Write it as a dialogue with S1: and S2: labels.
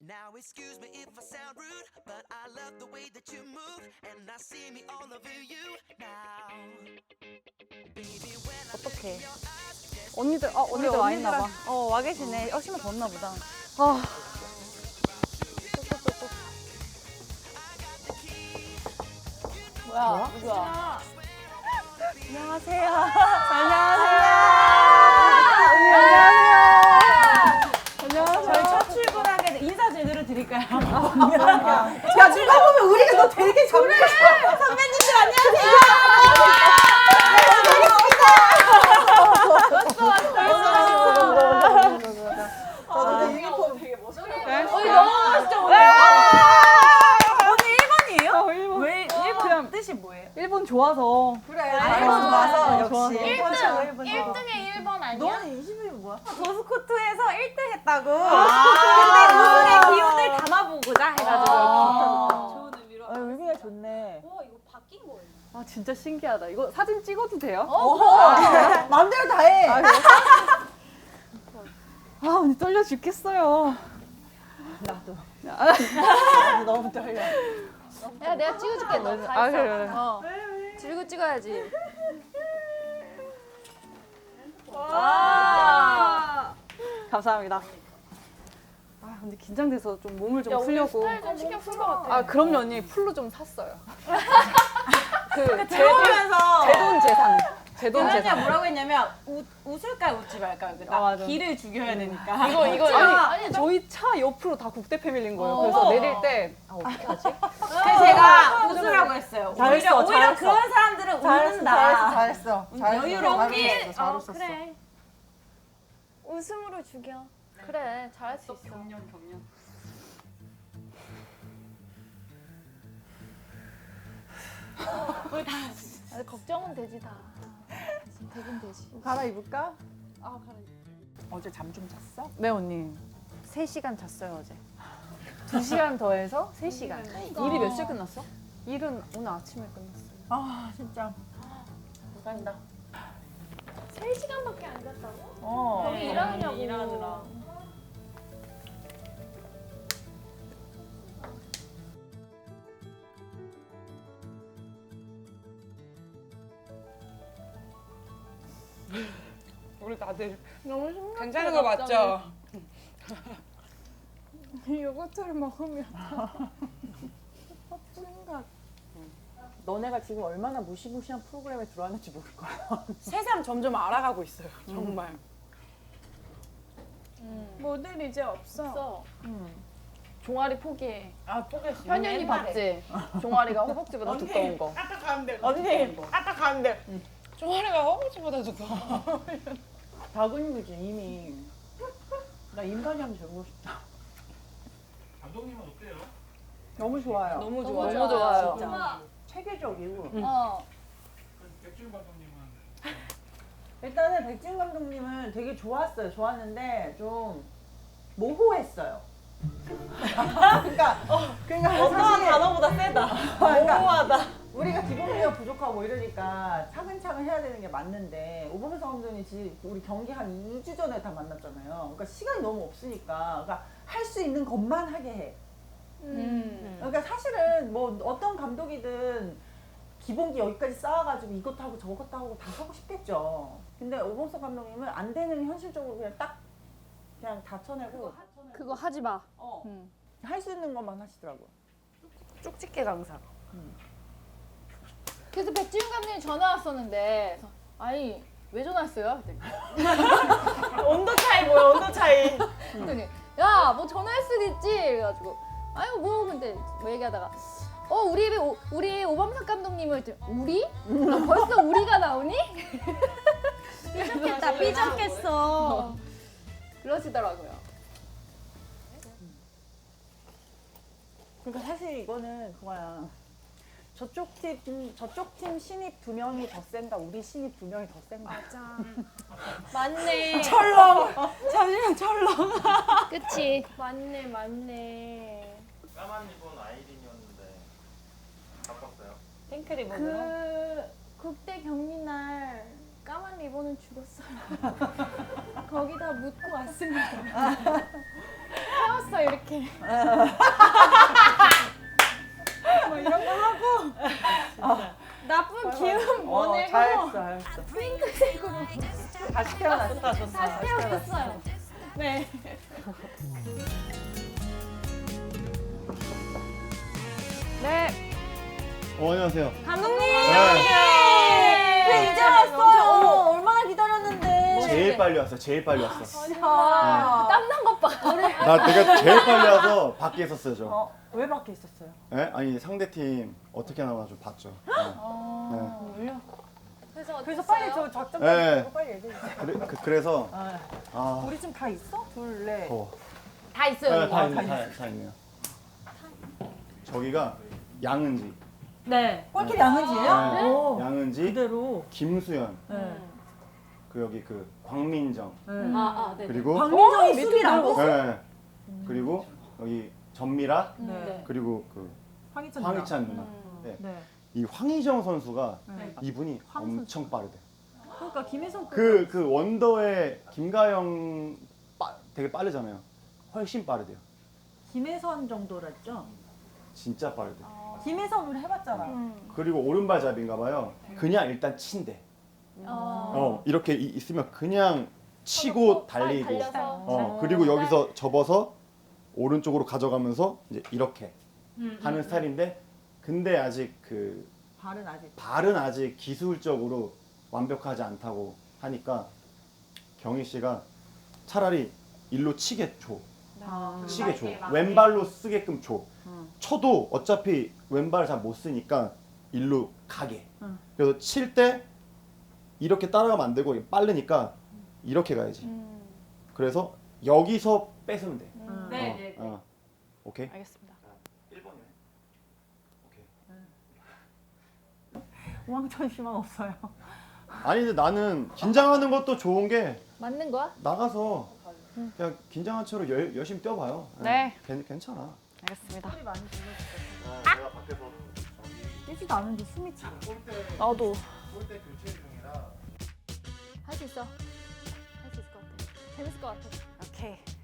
S1: Now excuse me if I sound rude, but I love the way that you move, and I see me all over you now. Baby, when I look
S2: 어떡해.
S1: in your eyes,
S2: 언니들, 언니들 와 있나 봐. 와 계시네. 신발 벗나 보다. 아. 뭐야? 누구야? 안녕하세요. 안녕하세요. 안녕하세요.
S3: 저희 첫 출근하게 인사 제대로 드릴까요?
S2: 야,
S3: 누가 보면 우리가 너 되게 잘해. 선배님들 안녕하세요.
S2: 저도
S3: 유니폼 되게 멋있어요.
S2: 너무 멋있죠, 오늘?
S3: 오늘 1번이에요?
S2: 일본.
S3: 왜 1번 뜻이 뭐예요?
S2: 일본 좋아서.
S3: 그래. 일본 좋아서 역시.
S4: 1등에 1번 아니야?
S3: 너는 20일이 뭐야? 도스코트에서 1등 했다고.
S4: 근데
S3: 우승의 기운을 담아보고자 해가지고.
S4: 좋은 의미로.
S3: 의미가 좋네.
S4: 와 이거 바뀐 거예요.
S2: 아, 진짜 신기하다. 이거 사진 찍어도 돼요?
S3: 마음대로 다 해.
S2: 아, 언니 떨려 죽겠어요.
S3: 나도 너무 떨려.
S4: 야 내가 찍어줄게. 너 다
S2: 아,
S4: 있어.
S2: 그래.
S4: 들고 찍어야지.
S2: 감사합니다. 아, 근데 긴장돼서 좀 몸을 좀 풀려고.
S4: 스타일 좀 신경 쓴 것 같아.
S2: 아, 그럼요, 언니. 풀로 좀 샀어요.
S3: 들어오면서
S2: 제돈 재산. 제돈
S3: 연아가
S2: 재산.
S3: 뭐라고 했냐면 웃을까요 웃지 말까요?
S2: 맞아.
S3: 기를 죽여야 되니까.
S2: 이거
S4: 아니,
S2: 저희 차 옆으로 다 국대 패밀리인 거예요. 그래서 내릴 때 어떻게 하지?
S3: 그래서 제가 웃으라고 했어요.
S2: 잘했어,
S3: 오히려
S2: 잘했어.
S3: 그런 사람들은 웃는다.
S5: 잘했어.
S3: 여유롭게.
S5: 잘 웃었어.
S4: 그래. 웃음으로 죽여. 그래 잘할 수 있어.
S2: 경련.
S4: 아, 걱정은 되지 다. 되긴 되지.
S5: 갈아입을까? 어제 잠 좀 잤어?
S2: 네, 언니. 3시간 잤어요, 어제. 2시간 더해서 3시간. 일이 몇 시에 끝났어? 일은 오늘 아침에 끝났어요.
S5: 아 진짜.
S2: 감사합니다.
S4: 3시간밖에 안 잤다고?
S5: 어.
S4: 일하느냐고.
S3: 일하느라.
S6: 우리 다들
S4: 너무 심각해.
S6: 괜찮은 거 맞죠?
S4: 요거트를 먹으면
S5: 너네가 지금 얼마나 무시무시한 프로그램에 들어왔는지 모를 거야.
S6: 세상 점점 알아가고 있어요. 정말.
S4: 모델 이제 없어.
S2: 종아리 포기해.
S5: 아 포기했어.
S2: 현연이 봤지? 종아리가 허벅지보다 두꺼운 거.
S6: 아까 가는데.
S5: 언니
S6: 아까 가는데. 종아리가 허벅지보다 두꺼워.
S5: 다 근육이지 이미. 나 인간이 하면 되고 싶다.
S7: 감독님은 어때요?
S5: 너무 좋아요.
S6: 너무
S2: 너무
S6: 좋아요.
S2: 좋아요.
S5: 진짜 체계적이고.
S7: 백준 감독님은
S5: 일단은 백진 감독님은 되게 좋았어요. 좋았는데 좀 모호했어요. 그러니까
S3: 어떤 단어보다 세다.
S5: 모호하다. 우리가 기본기가 부족하고 뭐 이러니까 차근차근 해야 되는 게 맞는데 오범석 감독님 지금 우리 경기 한 2주 전에 다 만났잖아요. 그러니까 시간이 너무 없으니까 그러니까 할 수 있는 것만 하게 해. 그러니까 사실은 뭐 어떤 감독이든 기본기 여기까지 쌓아가지고 이것도 하고 저것도 하고 다 하고 싶겠죠. 근데 오범석 감독님은 안 되는 현실적으로 그냥 딱 그냥 다 쳐내고
S4: 그거 하지 마.
S5: 할 수 있는 것만 하시더라고요.
S2: 쪽집게 강사.
S4: 그래서 백지윤 감독님 전화 왔었는데 그래서, 아니 왜 전화했어요?
S3: 온도 차이 뭐야 온도 차이.
S4: 그랬더니 야 뭐 전화할 수도 있지. 그래가지고 아유 뭐 근데 뭐 얘기하다가 우리 오범석 감독님을 우리? 벌써 우리가 나오니? 삐졌겠다 삐졌겠어. 그러시더라고요.
S5: 그러니까 사실 이거는 그거야. 저쪽 팀 신입 2명이 더 센가 우리 신입 2명이 더 센가.
S4: 맞아. 맞네.
S3: 철렁. 잠시만 철렁.
S4: 그치. 맞네.
S7: 까만 리본 아이린이었는데 바꿨어요.
S3: 핑크 리본으로.
S4: 그 국대 경기 날 까만 리본은 죽었어요. 거기다 묻고 왔습니다. 태웠어 이렇게. 뭐 이런 거 하고 나쁜 기운 보내고
S5: 잘했어.
S4: 핑크색으로
S5: 다시 태어났어.
S4: 다시 태웠어요. 네.
S2: 네.
S8: 안녕하세요.
S3: 감독님!
S8: 네.
S3: 왜 이제 왔어요? 얼마나 기다렸는데.
S8: 제일 빨리 왔어. 제일 빨리 왔어.
S3: 아,
S4: 땀난 것 봐.
S8: 내가 제일 빨리 와서 밖에 있었어요, 저.
S5: 왜 밖에 있었어요?
S8: 예? 아니 상대 팀 어떻게 나오나 좀 봤죠. 네.
S3: 그래서 빨리 저 작전
S8: 네.
S3: 네. 빨리 얘기해 주세요.
S8: 그래서
S5: 우리 지금 다 있어? 둘, 넷.
S4: 다 있어요.
S8: 네, 다 있네요. 저기가 양은지.
S3: 네.
S5: 꼴끼리 양은지예요?
S8: 네.
S5: 오.
S8: 양은지,
S5: 그대로.
S8: 김수현,
S5: 네.
S8: 그 여기 그 광민정,
S3: 네.
S8: 그리고
S5: 광민정이 수비라고?
S8: 네. 그리고 여기 전미라,
S5: 네.
S8: 그리고 그
S5: 황희찬
S8: 황희찬 누나. 네.
S5: 네.
S8: 이 황희정 선수가
S5: 네.
S8: 이분이 엄청 빠르대.
S5: 그러니까 김혜성
S8: 그 원더의 김가영 되게 빠르잖아요. 훨씬 빠르대요.
S5: 김혜선 정도랬죠?
S8: 진짜 빠르대.
S5: 김혜선 우리 해봤잖아.
S8: 그리고 오른발잡이인가 봐요. 그냥 일단 친대. 이렇게 있으면 그냥 치고 달리고.
S4: 달려서.
S8: 그리고 여기서 접어서 오른쪽으로 가져가면서 이제 이렇게 하는 스타일인데, 근데 아직 그 발은 아직 기술적으로 완벽하지 않다고 하니까 경희 씨가 차라리 일로 치게 줘. 치게 줘. 왼발로 쓰게끔 줘. 쳐도 어차피 왼발 잘 못 쓰니까 일로 가게. 그래서 칠 때 이렇게 따라가면 안 되고 빠르니까 이렇게 가야지. 그래서 여기서 뺏으면 돼.
S3: 네.
S8: 오케이.
S2: 알겠습니다.
S8: 1번이네. 오케이.
S5: 우왕천 씨만 없어요.
S8: 아니 근데 나는 긴장하는 것도 좋은 게
S4: 맞는 거야?
S8: 나가서 그냥 긴장한 채로 열심히 뛰어봐요.
S2: 네.
S8: 괜찮아.
S2: 알겠습니다.
S8: 내가 밖에서
S5: 뛰지도 않은데 숨이 차.
S2: 나도.
S8: 골대 교체 중이라
S4: 할 수 있어. 할 수 있을 것 같아. 재밌을 것 같아.
S2: 오케이.